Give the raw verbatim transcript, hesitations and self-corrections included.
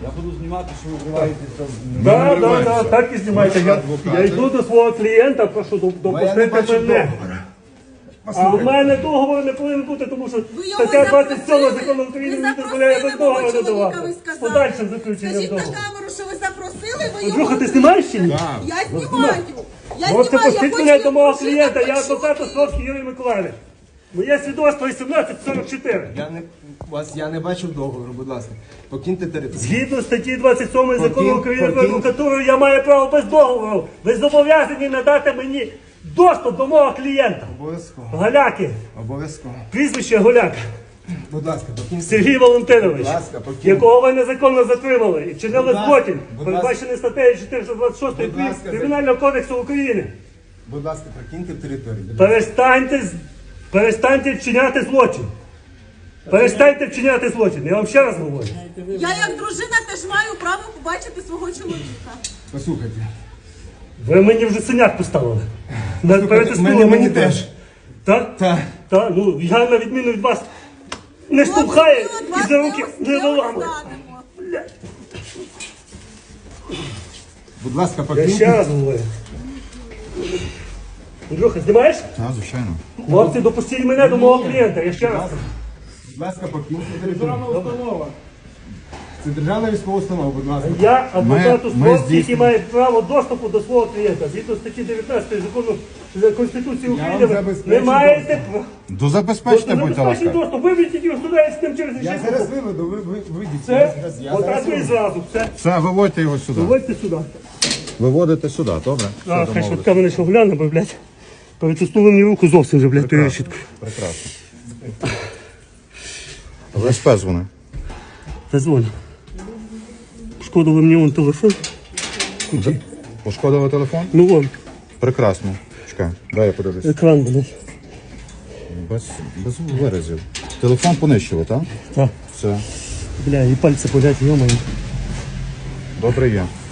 Я буду знімати, що ви вриваєтесь там. Так, так, так, так і знімайте. Я, я йду до свого клієнта, прошу допустити мене. А в мене договору не повинен бути, тому що стаття двадцять сьома закону України не дозволяє без договору надавати. З подальшим заключенням Скажіть на договору. камеру, що ви запросили, ви його... Андрюха, ти знімаєш чи ні? Я знімаю. Я Можете знімаю, я пустити хочу мене до мого почути. клієнта, я адвокат Островський Юрій Миколаївич. Моє свідоцтво вісімнадцять сорок чотири. Я не вас я не бачив договору, будь ласка. Покиньте територію. Згідно статті двадцять сьомої закону Покинь- України про покинь- адвокатуру, я маю право без договору. Ви зобов'язані надати мені доступ до мого клієнта. Обов'язково. Голяки. Обов'язково. Прізвище Голяк. Будь ласка, покиньте. Сергій Валентинович, Будь ласка, покинь. якого ви незаконно затримали і вчинили Будь ласка, злочин, будь передбачений статтею чотириста двадцять шість Будь ласка, Кримінального кодексу України. Будь ласка, покиньте територію. Будь ласка. Перестаньте, з- перестаньте вчиняти злочин. Перестаньте вчиняти злочин. Я вам ще раз говорю. Я як дружина теж маю право побачити свого чоловіка. Послухайте. Ви мені вже синяк поставили. На- перетиснули мені- мені теж. теж. Так? Так. Так, ну я на відміну від вас не штовхає і за руки не виламує. Будь ласка, Я ще покиньте. раз говорю. Андрюха, знімаєш? Так, звичайно. Хлопці, допустіть мене до мого клієнта, я ще раз. Будь ласка, покиньте територію. Це державна військова установа, будь ласка. Я адвокат Ми- ми Островський, який здійснюємо- має право доступу до свого клієнта. Згідно статті дев'ятнадцятої закону Конституції Я вам України, ви забезпечу не маєте права. До забезпечення, будьте Забезпечний ласка. доступ, виведіть його сюди і з ним через Я решітку. зараз виведу, ви, ви вийдіть. Це, Я зараз- я отак зараз і виведу. зразу, все. Все, виводьте його сюди. Виводьте сюди. Виводите сюди, добре? Все, А, хай домовились. швидка мене ще гляне, бо, блядь, перетиснули мені руку зовсім вже, блядь, тою решіткою. Прекрасно. В ес пе дзвони. Та дзвоню. Шкодили мені вон телефон. Пошкодили телефон? Ну вон, Прекрасно. Чекай, дай я подивлюсь. екран, блядь. Без, без виразів. Телефон понищили, так? Так. Все. Бля, і пальці болять, йомаю. Добре є.